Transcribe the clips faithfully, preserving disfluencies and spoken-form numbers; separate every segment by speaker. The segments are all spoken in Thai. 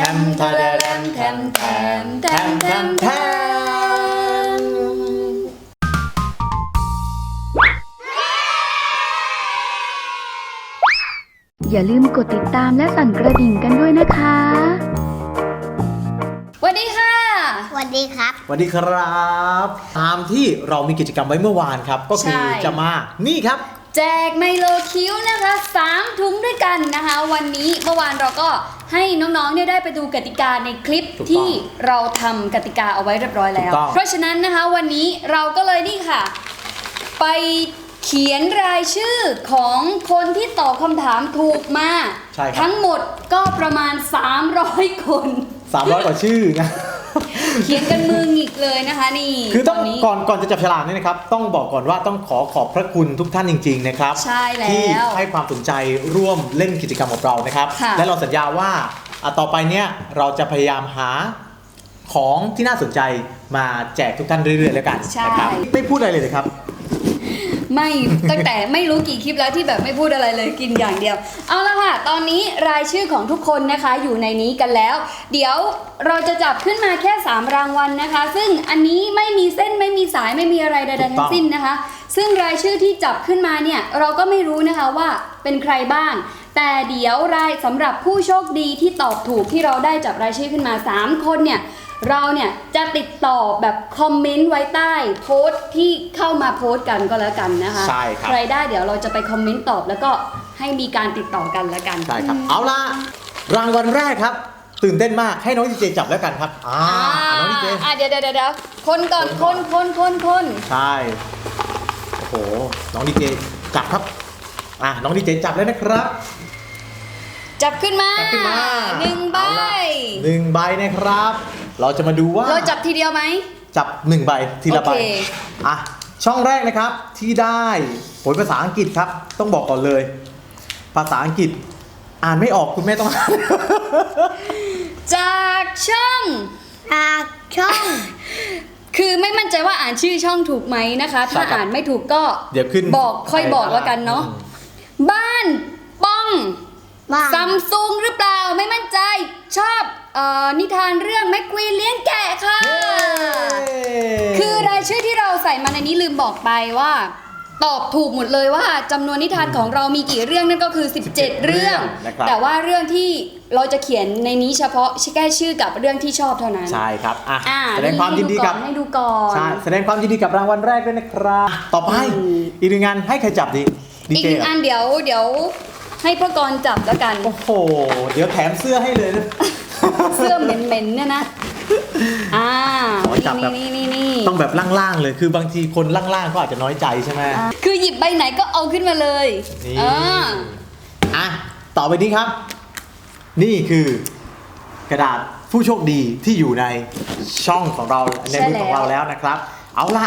Speaker 1: มทะแดมแทมแทมแทมแทมแทม
Speaker 2: อย่าลืมกดติดตามและสั่นกระดิ่งกันด้วยนะคะ
Speaker 1: สวัสดีค่ะ
Speaker 3: สวัสดีครับ
Speaker 4: สวัสดีครับตามที่เรามีกิจกรรมไว้เมื่อวานครับก็คือจะมานี่ครับ
Speaker 1: แจกไมโลคิ้วนะคะสามถุงด้วยกันนะคะวันนี้เมื่อวานเราก็ให้น้องๆเนี่ยได้ไปดูกติกาในคลิปที่เราทำกติกาเอาไว้เรียบร้อยแล้วเพราะฉะนั้นนะคะวันนี้เราก็เลยนี่ค่ะไปเขียนรายชื่อของคนที่ตอบคำถามถูกมาทั้งหมดก็ประมาณสามร้อยคน
Speaker 4: สามร้อยกว่าชื่อนะ
Speaker 1: เขียนกันมือหงิกเลยนะคะนี่
Speaker 4: คือต้องก่อนก่อนจะจับฉลากนี่นะครับต้องบอกก่อนว่าต้องขอขอบพระคุณทุกท่านจริงๆนะครับ
Speaker 1: ใช่แล้ว
Speaker 4: ที่ให้ความสนใจร่วมเล่นกิจกรรมกับเรานะครับและเราสัญญาว่าต่อไปเนี้ยเราจะพยายามหาของที่น่าสนใจมาแจกทุกท่านเรื่อยๆแล้วกันนะครับไม่พูดอะไรเลยเลยครับ
Speaker 1: ไม่ตั้งแต่ไม่รู้กี่คลิปแล้วที่แบบไม่พูดอะไรเลยกินอย่างเดียวเอาละค่ะตอนนี้รายชื่อของทุกคนนะคะอยู่ในนี้กันแล้วเดี๋ยวเราจะจับขึ้นมาแค่สามรางวัลนะคะซึ่งอันนี้ไม่มีเส้นไม่มีสายไม่มีอะไรใดๆทั้งสิ้นนะคะซึ่งรายชื่อที่จับขึ้นมาเนี่ยเราก็ไม่รู้นะคะว่าเป็นใครบ้างแต่เดี๋ยวรายสำหรับผู้โชคดีที่ตอบถูกที่เราได้จับรายชื่อขึ้นมาสามคนเนี่ยเราเนี่ยจะติดต่อแบบคอมเมนต์ไว้ใต้โพสต์ที่เข้ามาโพสต์กันก็แล้วกันนะคะ
Speaker 4: ใช่ครับ
Speaker 1: ใครได้เดี๋ยวเราจะไปคอมเมนต์ตอบแล้วก็ให้มีการติดต่อกันแล้วกัน
Speaker 4: ใช่ครับเอาล่ะรางวัลแรกครับตื่นเต้นมากให้น้องดีเจจับแล้วกันครับอ่าน้องดีเจ
Speaker 1: อ่าเดี๋ยวเดี๋ยวเดี๋ยวคนก่อนคนคนคนคน
Speaker 4: ใช่โอ้โหน้องดีเจจับครับอ่ะน้องดีเจจับแล้วนะครับ
Speaker 1: จับขึ้นมาหนึ่งใบ
Speaker 4: หนึ่งใบนะครับเราจะมาดูว่า
Speaker 1: เราจับทีเดียวไหม
Speaker 4: จับหนึ่งใบทีละใบอ่ะช่องแรกนะครับที่ได้ผลภาษาอังกฤษครับต้องบอกก่อนเลยภาษาอังกฤษอ่านไม่ออกคุณแม่ต้องอ่าน
Speaker 1: จากช่อง
Speaker 3: จากช่อง
Speaker 1: คือไม่มั่นใจว่าอ่านชื่อช่องถูกไหมนะคะถ้าอ่านไม่ถูกก็
Speaker 4: เดี๋ยวขึ้น
Speaker 1: บอกค่อยบอกแล้วกันเนาะบ้านป้องซัมซุงหรือเปล่าไม่มั่นใจชอบเอ่อนิทานเรื่องแมคควีนเลี้ยงแกะค่ะคือรายชื่อที่เราใส่มาในนี้ลืมบอกไปว่าตอบถูกหมดเลยว่าจำนวนนิทานของเรามีกี่เรื่องนั่นก็คือสิบเจ็ดเรื่องแต่ว่าเรื่องที่เราจะเขียนในนี้เฉพาะแค่ชื่อกับเรื่องที่ชอบเท่านั้น
Speaker 4: ใช่ครับอ่ะแสดงความยินดีกับ
Speaker 1: ให้ดูก่อน
Speaker 4: ใช่แสดงความยินดีกับรางวัลแรกด้วยนะครับต่อไปอีกหนึ่งงานให้ใครจับดี
Speaker 1: อีกหนึ่งอันเดี๋ยวเดี๋ยวให้พ่อกรจับแล้วกัน
Speaker 4: โอ้โหเดี๋ยวแถมเสื้อให้เลยนะ
Speaker 1: เสื้อเหม็นๆเนี่ยนะอ่า
Speaker 4: จับแบบต้องแบบล่างๆเลยคือบางทีคนล่างๆก็อาจจะน้อยใจใช่ไหม
Speaker 1: คือหยิบใบไหนก็เอาขึ้นมาเลย
Speaker 4: อ่าอ่ะต่อไปนี้ครับนี่คือกระดาษผู้โชคดีที่อยู่ในช่องของเราในมือของเราแล้วนะครับเอาละ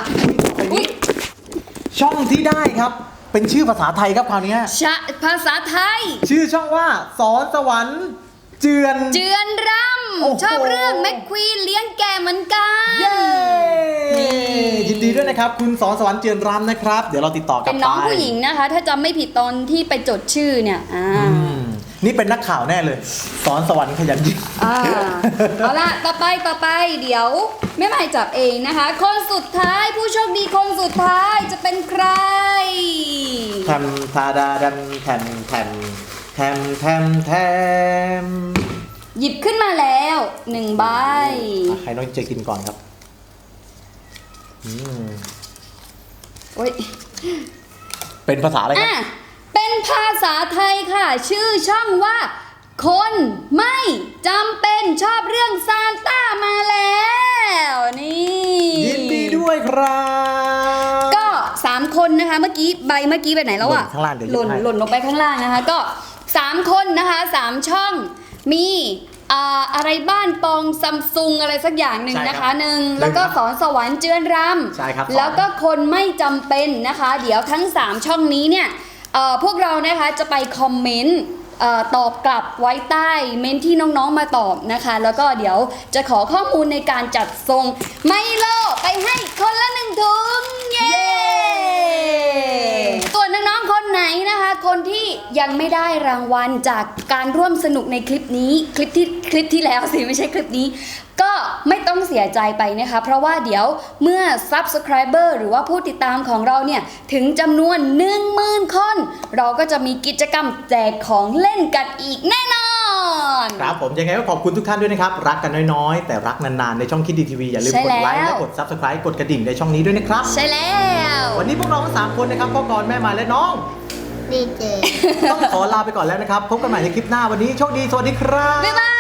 Speaker 4: ช่องที่ได้ครับเป็นชื่อภาษาไทยครับคราวนี้
Speaker 1: ภาษาไทย
Speaker 4: ชื่อช่องว่าสอนสวรรค์เจือน
Speaker 1: เจือนรำชอบเรื่องแมคควีนเลี้ยงแกะเหมือนกัน
Speaker 4: เย้ยินดีด้วยนะครับคุณสอนสวรรค์เจือนรำนะครับเดี๋ยวเราติดต่อกันไป
Speaker 1: เป็นน้องผู้หญิงนะคะถ้าจำไม่ผิดตอนที่ไปจดชื่อเนี่ยอ่า
Speaker 4: นี่เป็นนักข่าวแน่เลยสอนสวรรค์ขยันยิ่ง
Speaker 1: เอาล่ะต่อไปต่อไปเดี๋ยวแม่ใหม่จับเองนะคะคนสุดท้ายผู้โชคดีคนสุดท้ายจะเป็นใคร
Speaker 4: แทมทาดาดันแทมแทมแทมแทมแทม
Speaker 1: หยิบขึ้นมาแล้วหนึ่งใบ
Speaker 4: ให้น้องเจกินก่อนครับอืม
Speaker 1: โอ้ย
Speaker 4: เป็นภาษาอะไรครับ
Speaker 1: เป็นภาษาไทยค่ะชื่อช่องว่าคนไม่จำเป็นชอบเรื่องซานต้ามาแล้วนี่
Speaker 4: ยินดีด้วยครับ
Speaker 1: ก็สามคนนะคะเมื่อกี้ใบเมื่อกี้ไปไหนแล้วอ่ะหล่นหล่นลงไปข้างล่างนะคะก็สามคนนะคะสามช่องมีอะไรบ้านปองซัมซุงอะไรสักอย่างหนึ่งนะคะหนึ่งแล้วก็สอนสวรรค์เจือนรำแล้วก็คนไม่จำเป็นนะคะเดี๋ยวทั้งสามช่องนี้เนี่ยพวกเรานะคะจะไปคอมเมนต์ตอบกลับไว้ใต้เมนที่น้องๆมาตอบนะคะแล้วก็เดี๋ยวจะขอข้อมูลในการจัดส่งไมโลไปให้คนละหนึ่งถุงเย้ส่วนน้องๆคนไหนนะคะคนที่ยังไม่ได้รางวัลจากการร่วมสนุกในคลิปนี้คลิปที่คลิปที่แล้วสิไม่ใช่คลิปนี้ก็ไม่ต้องเสียใจไปนะคะเพราะว่าเดี๋ยวเมื่อ Subscriber หรือว่าผู้ติดตามของเราเนี่ยถึงจำนวน หนึ่งหมื่น คนเราก็จะมีกิจกรรมแจกของเล่นกันอีกแน่นอน
Speaker 4: ครับผมยังไงก็ขอบคุณทุกท่านด้วยนะครับรักกันน้อยๆแต่รักนานๆในช่องคิดดีทีวีอย่าลืมกดไลค์และกด Subscribe กดกระดิ่งในช่องนี้ด้วยนะครับ
Speaker 1: ใช่แล้ว
Speaker 4: วันนี้พวกเราทั้งสามคนนะครับพ่อกรแม่มายและน้อง
Speaker 3: ดีเจ
Speaker 4: ต้องขอลาไปก่อนแล้วนะครับพบกันใหม่ในคลิปหน้าวันนี้โชคดีสวัสดีครับ
Speaker 1: บ๊ายบาย